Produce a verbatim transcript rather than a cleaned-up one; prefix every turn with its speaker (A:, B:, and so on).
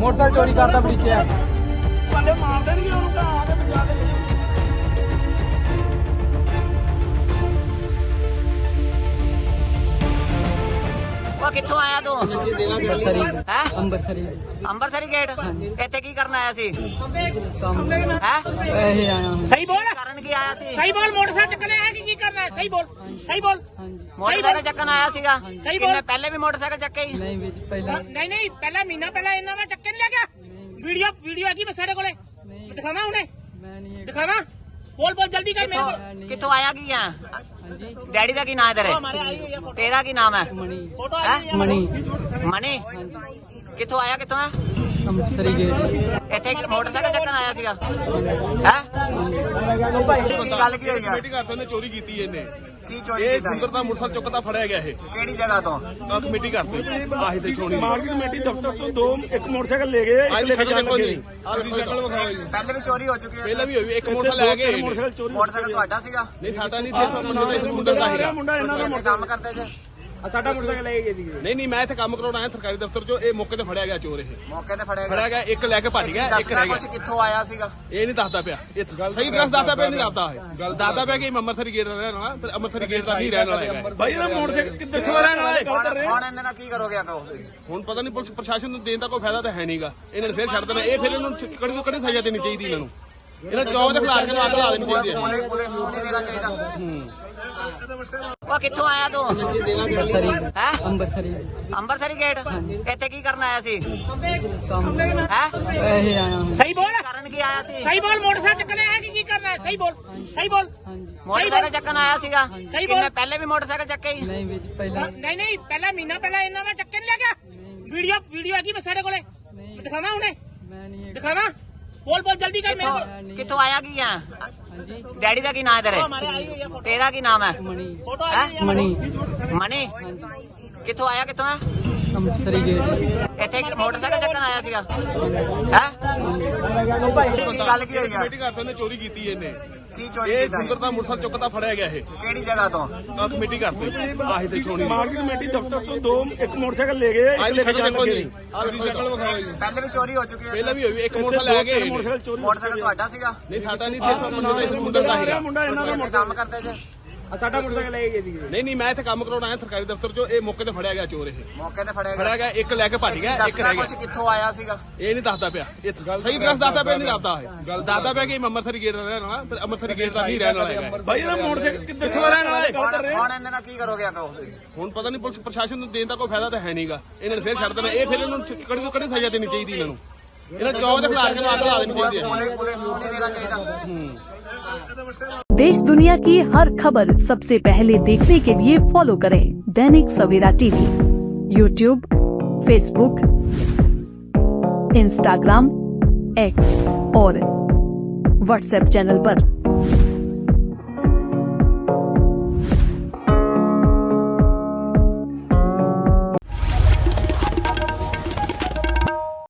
A: Motorcycle चोरी करता पीछे
B: पहले मार देंगे उनका आगे बचा देंगे।
C: कित्थों आया तू है
A: अंबरसरी
C: ਅੰਬਰਸਰੀ ਗੇਟ ਇੱਥੇ ਕੀ ਕਰਨ ਆਇਆ ਸੀ
A: काम
C: ਹੈ
A: ऐसे आया हूँ
B: सही बोल
C: ਕਰਨ ਕੀ ਆਇਆ ਸੀ
B: सही बोल मोटरसाइकिल चक्कर है कि की कर रहा है सही बोल सही बोल
A: हाँ जी
C: ਮੋਟਰਸਾਈਕਲ ਚੱਕਣ ਆਇਆ ਸੀਗਾ
B: सही
C: ਕਿੰਨੇ
B: बोल
C: ਪਹਿਲੇ ਵੀ ਮੋਟਰਸਾਈਕਲ ਚੱਕੇ ਹੀ
A: नहीं भी पहले
B: नहीं नहीं पहला महीना पहला इन्ना का चक्कर नहीं लगा
A: नहीं
B: वीडियो वीडियो है कि सारे कोले
A: नहीं
B: दिखावा उन्हें
A: मैं नहीं
B: दिखावा बोल बोल जल्दी कर मेरे को
C: ਕਿੱਥੋਂ ਕਿੱਥੋਂ ਆਇਆ ਕੀ ਆ
A: हाँ जी
C: ਡੈਡੀ ਦਾ ਕੀ ਨਾਮ ਹੈ ਤੇਰੇ
B: हमारे आई हुई है फोटो
C: ਤੇਰਾ ਕੀ ਨਾਮ ਹੈ
A: मणि
B: फोटो
C: है?
B: आई हुई है
A: मणि
C: ਮਨੀ
A: हाँ जी
C: ਕਿੱਥੋਂ ਆਇਆ ਕਿੱਥੋਂ ਹੈ
A: अंबरसरी गेट
C: ਇੱਥੇ ਇੱਕ ਮੋਟਰਸਾਈਕਲ ਚੱਕਣ ਆਇਆ ਸੀਗਾ ਹੈ ਕੀ ਗੱਲ ਕੀ ਹੋਈ ਆ
D: ਕਮੇਟੀ ਘਰ ਤੋਂ ਇਹਨੇ ਚੋਰੀ ਕੀਤੀ ਇਹਨੇ
C: ਕੀ ਚੋਰੀ
D: ਇਹ
C: ਕੀਤਾ
D: ਸੁੰਦਰ ਦਾ ਮੁਰਸਲ ਚੁੱਕਦਾ ਫੜਿਆ ਗਿਆ ਇਹ
C: ਕਿਹੜੀ ਜਗ੍ਹਾ ਤੋਂ
D: ਆਹ ਕਮੇਟੀ ਘਰ ਤੋਂ ਆਹੀ ਤੇ ਛੋਣੀ
B: मार्केट कमेटी दफ्तर तो दो एक मोटरसाइकिल ले गए
D: ਆਹ ਸ਼ਕਲ ਦੇਖੋ ਜੀ ਆਹ ਸ਼ਕਲ ਵਿਖਾਓ ਜੀ
C: ਪਹਿਲੇ ਵੀ ਚੋਰੀ ਹੋ ਚੁੱਕੀ ਹੈ
D: ਪਹਿਲਾਂ ਵੀ ਹੋਈ ਇੱਕ ਮੋਟਰਸਾਈਕਲ ਲੈ ਗਏ
B: मोटरसाइकिल चोरी
C: ਮੋਟਰਸਾਈਕਲ ਤੁਹਾਡਾ ਸੀਗਾ
D: ਨਹੀਂ ਸਾਡਾ ਨਹੀਂ ਸੀ ਇੱਥੋਂ ਮੁੰਡਾ ਦਾ ਸੁੰਦਰ ਦਾ ਹੈਗਾ
B: मुंडा इन्ना
C: ਤੁਸੀਂ ਇੱਥੇ ਕੰਮ ਕਰਦੇ ਜੇ
B: साडा मोटरसाइकिल ले गए सी
D: ਨਹੀਂ ਨਹੀਂ ਮੈਂ ਇੱਥੇ ਕੰਮ ਕਰਾਉਣ ਆਇਆ ਸਰਕਾਰੀ ਦਫ਼ਤਰ ਚੋਂ ਇਹ ਮੌਕੇ ਤੇ ਫੜਿਆ ਗਿਆ ਚੋਰ ਇਹ
C: ਮੌਕੇ ਤੇ ਫੜਿਆ
D: ਫੜਿਆ ਗਿਆ ਇੱਕ ਲੈ ਕੇ ਭੱਜ ਗਿਆ ਇੱਕ
C: ਦੱਸਦਾ
D: ਰਹਿ ਗਿਆ
C: ਕੁਛ ਕਿੱਥੋਂ ਆਇਆ ਸੀਗਾ
D: ਇਹ ਨਹੀਂ ਦੱਸਦਾ ਪਿਆ ਇਹ ਸਹੀ ਐਡਰੈਸ ਦੱਸਦਾ ਪਿਆ ਨਹੀਂ ਦੱਸਦਾ ਇਹ ਗੱਲ ਦੱਸਦਾ ਪਿਆ ਕਿ ਮੈਂ ਅੰਮ੍ਰਿਤਸਰੀ ਗੇਟ ਦਾ ਰਹਿਣ ਵਾਲਾ ਤੇ ਅੰਮ੍ਰਿਤਸਰੀ ਗੇਟ ਦਾ ਨਹੀਂ ਰਹਿਣ ਵਾਲਾ ਹੈਗਾ
B: भाई ये मोटरसाइकिल किधर
D: ਕਿੱਥੋਂ ਰਹਿਣ ਵਾਲਾ ਇਹ?
C: ਹੁਣ ਹੁਣ ਇਹਦੇ ਨਾਲ ਕੀ ਕਰੋਗੇ ਅੱਗੇ ਤੁਸੀਂ
D: ਹੁਣ ਪਤਾ ਨਹੀਂ ਪੁਲਿਸ ਪ੍ਰਸ਼ਾਸਨ ਨੂੰ ਦੇਣ ਦਾ ਕੋਈ ਫਾਇਦਾ ਤਾਂ ਹੈ ਨਹੀਂਗਾ ਇਹਨਾਂ ਨੇ ਫੇਰ ਛੱਡ ਦੇਣਾ ਇਹ ਫਿਰ ਇਹਨੂੰ ਕੜੀ ਤੋਂ ਕੜੀ ਸਜ਼ਾ ਦੇਣੀ ਚਾਹੀਦੀ ਇਹਨਾਂ ਨੂੰ ਇਹਨਾਂ ਚੌਕ ਦੇ ਖਿਲਾਫ ਨੂੰ ਅੱਗ ਲਾ ਦੇਣੀ ਚਾਹੀਦੀ ਹੈ
C: ਪੁਲਿਸ ਪੁਲਿਸ ਨੂੰ ਨਹੀਂ ਦੇਣਾ ਚਾਹੀਦਾ
D: ਹੂੰ
C: ਉਹ ਕਿੱਥੋਂ ਆਇਆ ਤੂੰ
A: अंबरसरी
C: ਹੈ
A: अंबरसरी
C: ਅੰਬਰਸਰੀ ਗੇਟ ਇੱਥੇ ਕੀ ਕਰਨ ਆਇਆ ਸੀ
A: काम
C: ਹੈ
A: ऐसे आया हूँ
B: सही बोल
C: ਕਰਨ ਕੀ ਆਇਆ ਸੀ
B: सही बोल मोटरसाइकिल चक्कर है कि की कर रहा है सही बोल सही बोल
A: हाँ जी
C: ਮੋਟਰਸਾਈਕਲ ਚੱਕਣ ਆਇਆ ਸੀਗਾ
B: सही
C: ਕਿੰਨੇ
B: बोल
C: ਪਹਿਲੇ ਵੀ ਮੋਟਰਸਾਈਕਲ ਚੱਕੇ ਹੀ
A: नहीं भी पहले
B: नहीं नहीं पहला महीना पहला इन्ना का चक्कर नहीं लगा
A: नहीं
B: वीडियो वीडियो है कि सारे कोले
A: नहीं
B: दिखावा उन्हें
A: मैं नहीं
B: दिखावा बोल बोल जल्दी कर मेरे को
C: ਕਿੱਥੋਂ ਕਿੱਥੋਂ ਆਇਆ ਕੀ ਆ
A: हाँ जी
C: ਡੈਡੀ ਦਾ ਕੀ ਨਾਮ ਹੈ ਤੇਰੇ
B: हमारे आई हुई है फोटो
C: ਤੇਰਾ ਕੀ ਨਾਮ ਹੈ
A: मणि
B: फोटो
C: है?
B: आई हुई है
A: मणि
C: ਮਨੀ
A: हाँ जी
C: ਕਿੱਥੋਂ ਆਇਆ ਕਿੱਥੋਂ ਹੈ
A: अंबरसरी गेट
C: ਇੱਥੇ ਇੱਕ ਮੋਟਰਸਾਈਕਲ ਚੱਕਣ ਆਇਆ ਸੀਗਾ ਹੈ ਕੀ ਗੱਲ ਕੀ ਹੋਈ ਆ
D: ਕਮੇਟੀ ਘਰ ਤੋਂ ਇਹਨੇ ਚੋਰੀ ਕੀਤੀ ਇਹਨੇ
C: ਕੀ ਚੋਰੀ
D: ਇਹ
C: ਕੀਤਾ
D: ਸੁੰਦਰ ਦਾ ਮੁਰਸਲ ਚੁੱਕਦਾ ਫੜਿਆ ਗਿਆ ਇਹ
C: ਕਿਹੜੀ ਜਗ੍ਹਾ ਤੋਂ
D: ਆਹ ਕਮੇਟੀ ਘਰ ਤੋਂ ਆਹੀ ਤੇ ਛੋਣੀ
B: मार्केट कमेटी दफ्तर तो दो एक मोटरसाइकिल ले गए
D: ਆਹ ਸ਼ਕਲ ਦੇਖੋ ਜੀ ਆਹ ਸ਼ਕਲ ਵਿਖਾਓ ਜੀ
C: ਪਹਿਲੇ ਵੀ ਚੋਰੀ ਹੋ ਚੁੱਕੀ ਹੈ
D: ਪਹਿਲਾਂ ਵੀ ਹੋਈ ਇੱਕ ਮੋਟਰਸਾਈਕਲ ਲੈ ਗਏ
B: मोटरसाइकिल चोरी
C: ਮੋਟਰਸਾਈਕਲ ਤੁਹਾਡਾ ਸੀਗਾ
D: ਨਹੀਂ ਸਾਡਾ ਨਹੀਂ ਸੀ ਇੱਥੋਂ ਮੁੰਡਾ ਦਾ ਸੁੰਦਰ ਦਾ ਹੈਗਾ
B: मुंडा इन्ना
C: ਤੁਸੀਂ ਇੱਥੇ ਕੰਮ ਕਰਦੇ ਜੇ
B: साडा मोटरसाइकिल ले गए सी
D: ਨਹੀਂ ਨਹੀਂ ਮੈਂ ਇੱਥੇ ਕੰਮ ਕਰਾਉਣ ਆਇਆ ਸਰਕਾਰੀ ਦਫ਼ਤਰ ਚੋਂ ਇਹ ਮੌਕੇ ਤੇ ਫੜਿਆ ਗਿਆ ਚੋਰ ਇਹ
C: ਮੌਕੇ ਤੇ ਫੜਿਆ
D: ਫੜਿਆ
C: ਗਿਆ
D: ਗਿਆ ਇੱਕ ਲੈ ਕੇ ਭੱਜ ਗਿਆ ਇੱਕ
C: ਦੱਸਦਾ
D: ਰਹਿ
C: ਕੁਛ
D: ਗਿਆ
C: ਕਿੱਥੋਂ ਆਇਆ ਸੀਗਾ
D: ਇਹ ਨਹੀਂ ਦੱਸਦਾ ਪਿਆ ਇਹ ਸਹੀ ਐਡਰੈਸ ਦੱਸਦਾ ਪਿਆ ਨਹੀਂ ਦੱਸਦਾ ਇਹ ਗੱਲ ਦੱਸਦਾ ਪਿਆ ਕਿ ਮੈਂ ਅੰਮ੍ਰਿਤਸਰੀ ਗੇਟ ਦਾ ਰਹਿਣ ਵਾਲਾ ਤੇ ਅੰਮ੍ਰਿਤਸਰੀ ਗੇਟ ਦਾ ਨਹੀਂ ਰਹਿਣ ਵਾਲਾ ਹੈਗਾ
B: भाई ये मोटरसाइकिल किधर
D: ਕਿੱਥੋਂ ਰਹਿਣ ਵਾਲਾ ਇਹ?
C: ਹੁਣ ਹੁਣ ਇਹਦੇ ਨਾਲ ਕੀ ਕਰੋਗੇ ਅੱਗੇ ਤੁਸੀਂ
D: ਹੁਣ ਪਤਾ ਨਹੀਂ ਪੁਲਿਸ ਪ੍ਰਸ਼ਾਸਨ ਨੂੰ ਦੇਣ ਦਾ ਕੋਈ ਫਾਇਦਾ ਤਾਂ ਹੈ ਨਹੀਂਗਾ ਇਹਨਾਂ ਨੇ ਫੇਰ ਛੱਡ ਦੇਣਾ ਇਹ ਫਿਰ ਇਹਨੂੰ ਕੜੀ ਤੋਂ ਕੜੀ ਸਜ਼ਾ ਦੇਣੀ ਚਾਹੀਦੀ ਇਹਨਾਂ ਨੂੰ ਇਹਨਾਂ ਚੌਕ ਦੇ ਖਿਲਾਫ ਨੂੰ ਅੱਗ ਲਾ ਦੇਣੀ ਚਾਹੀਦੀ ਹੈ
C: ਪੁਲਿਸ ਪੁਲਿਸ ਨੂੰ ਨਹੀਂ ਦੇਣਾ ਚਾਹੀਦਾ
D: ਹੂੰ
E: देश दुनिया की हर खबर सबसे पहले देखने के लिए फॉलो करें Dainik Savera TV, YouTube, Facebook, Instagram, X और व्हाट्सएप चैनल पर।